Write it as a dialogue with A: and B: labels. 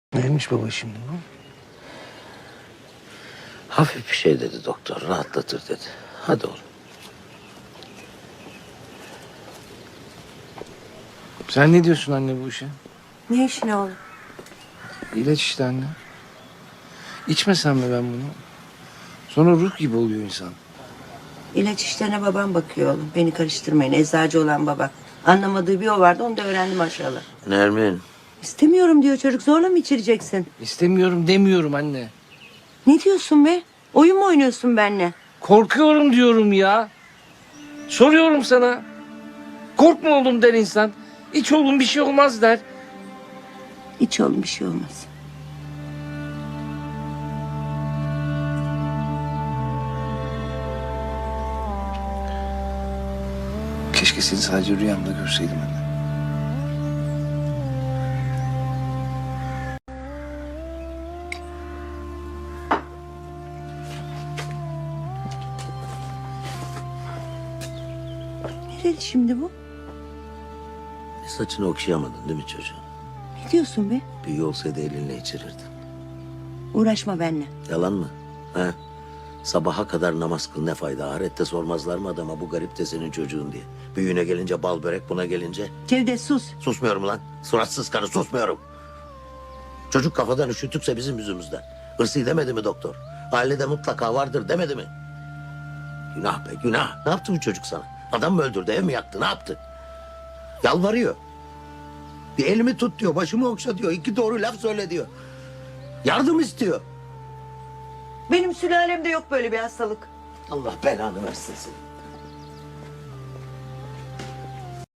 A: Neymiş baba şimdi bu?
B: Hafif bir şey dedi doktor. Rahatlatır dedi. Hadi oğlum.
A: Sen ne diyorsun anne bu işe?
C: Ne işin oğlum?
A: İlaç işte anne. İçmesem mi ben bunu? Sonra ruh gibi oluyor insan.
C: İlaç işlerine babam bakıyor oğlum. Beni karıştırmayın. Eczacı olan baba. Anlamadığı bir o vardı. Onu da öğrendim aşağıda.
B: Nermin.
C: İstemiyorum diyor çocuk. Zorla mı içireceksin?
A: İstemiyorum demiyorum anne.
C: Ne diyorsun be? Oyun mu oynuyorsun benimle?
A: Korkuyorum diyorum ya. Soruyorum sana. Korkma oğlum der insan. İç oğlum bir şey olmaz der.
C: Hiç oğlum bir şey olmaz.
A: Keşke seni sadece rüyamda görseydim anne.
C: Nereli şimdi bu?
B: Saçını okşayamadın değil mi çocuğun?
C: Ne diyorsun be?
B: Büyü olsaydı elinle içirirdin.
C: Uğraşma benimle.
B: Yalan mı? He? Sabaha kadar namaz kıl ne fayda? Ahirette sormazlar mı adama bu garip de senin çocuğun diye? Büyüğüne gelince bal börek, buna gelince...
C: Cevdet sus.
B: Susmuyorum lan. Suratsız karı susmuyorum. Çocuk kafadan üşütükse bizim yüzümüzden. Hırsı demedi mi doktor? Ailede mutlaka vardır demedi mi? Günah be günah. Ne yaptı bu çocuk sana? Adam mı öldürdü, ev mi yaktı, ne yaptı? Yalvarıyor. Bir elimi tut diyor, başımı okşa diyor. 2 doğru laf söyle diyor. Yardım istiyor.
C: Benim sülalemde yok böyle bir hastalık.
B: Allah belanı versin seni.